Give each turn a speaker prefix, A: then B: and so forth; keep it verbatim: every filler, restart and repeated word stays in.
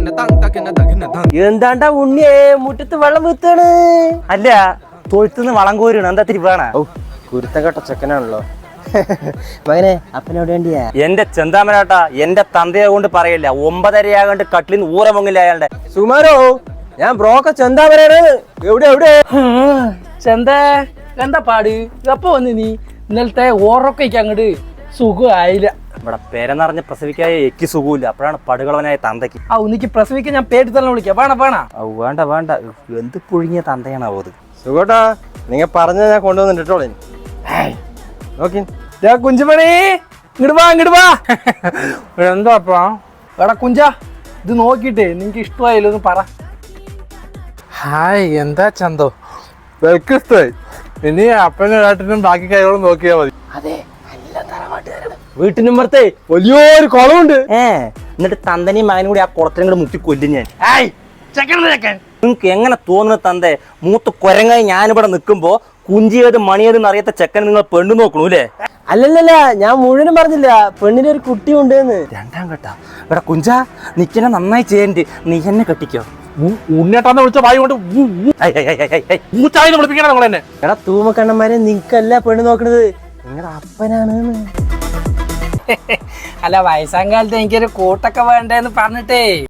A: എന്താണ്ടാ ഉണ്ണിയെ മുറ്റത്ത് വെള്ളം വീത്താണ്?
B: അല്ല, തൊഴുത്തുനിന്ന് വളം കോരുണ്. എന്താ തിരുവാണ?
A: ഓ, കുരുത്തം കെട്ട ചെക്കനാണല്ലോ. മകനെ, അപ്പനോട് വേണ്ടിയാ?
B: എന്റെ ചെന്താമരാട്ടാ, എന്റെ തന്തയെ കൊണ്ട് പറയില്ല. ഒമ്പതരയാകണ്ട് കട്ടിലിൽ നിന്ന് ഊറ പൊങ്ങില്ല അയാളുടെ.
A: സുമാരോ, ഞാൻ ബ്രോക്ക ചെന്താമരാണ്. എവിടെ എവിടെ
C: ചെന്ത എന്താ പാട്? എപ്പോ വന്ന് നീ? ഇന്നലത്തെ ഓറൊക്കെ അങ്ങോട്ട് സുഖമായില്ല.
B: ഇവിടെ പേരെന്നറിഞ്ഞ് പ്രസവിക്കായ എക്ക് സുഖമില്ല. അപ്പോഴാണ് പടുകളവനായ തന്തയ്ക്ക്.
C: ആ ഉന്നിക്ക് പ്രസവിക്കാൻ ഞാൻ പേടി തന്നെ വിളിക്കാം. വേണ വേണ
B: ഔ വേണ്ട വേണ്ട, എന്ത് പുഴുങ്ങിയ തന്തയാണോ അത്?
A: സുഖോട്ടാ, നിങ്ങ പറഞ്ഞ ഞാൻ കൊണ്ടുവന്നിട്ടോളെ. നോക്കി
C: കുഞ്ചുമണി, ഇങ്ങോട്ട് വാ ഇങ്ങോട്ട് വാ. എന്താപ്പാ എടാ കുഞ്ച, ഇത് നോക്കിട്ടേ നിനക്ക് ഇഷ്ടമായില്ലോ ഒന്ന് പറ.
D: ഹായ്, എന്താ ചന്തോ? വെൽക്കിഷ്ടമായി. ഇനി അപ്പനും ഏട്ടനും ബാക്കി കൈകളും നോക്കിയാ മതി.
A: വീട്ടിനുമ്പറത്തെ വലിയൊരു കുളമുണ്ട്.
B: ഏ എന്നിട്ട് തന്തനെയും മകനും കൂടി ആ കുളത്തിനും കൂടെ മുക്കി കൊല്ലും ഞാൻ. നിങ്ങക്ക് എങ്ങനെ തോന്നുന്നു തന്തേ? മൂത്ത് കൊരങ്ങായി ഞാനിവിടെ നിൽക്കുമ്പോ കുഞ്ചിയേത് മണിയേതെന്ന് അറിയാത്ത ചെക്കൻ നിങ്ങൾ പെണ്ണു നോക്കണു അല്ലേ?
A: അല്ലല്ലല്ല, ഞാൻ മുഴുവനും പറഞ്ഞില്ല. പെണ്ണിന് ഒരു കുട്ടി ഉണ്ട്.
B: രണ്ടാം കേട്ടാ ഇവിടെ കുഞ്ച നിക്കനെ നന്നായി ചെയ്യണ്ട്. നീ എന്നെ കെട്ടിക്കോ.
D: ഉണ്ണേട്ടാന്ന് വിളിച്ച വായി കൊണ്ട് വിളിപ്പിക്കണം നമ്മൾ തന്നെ.
A: എടാ തൂമക്കണ്ണന്മാരെ, നിങ്ങക്കല്ല പെണ്ണ് നോക്കണത്, നിങ്ങളുടെ അപ്പനാണ്.
C: അല്ല, വയസ്സാം കാലത്ത് എനിക്കൊരു കൂട്ടൊക്കെ വേണ്ടേന്ന് പറഞ്ഞിട്ടേ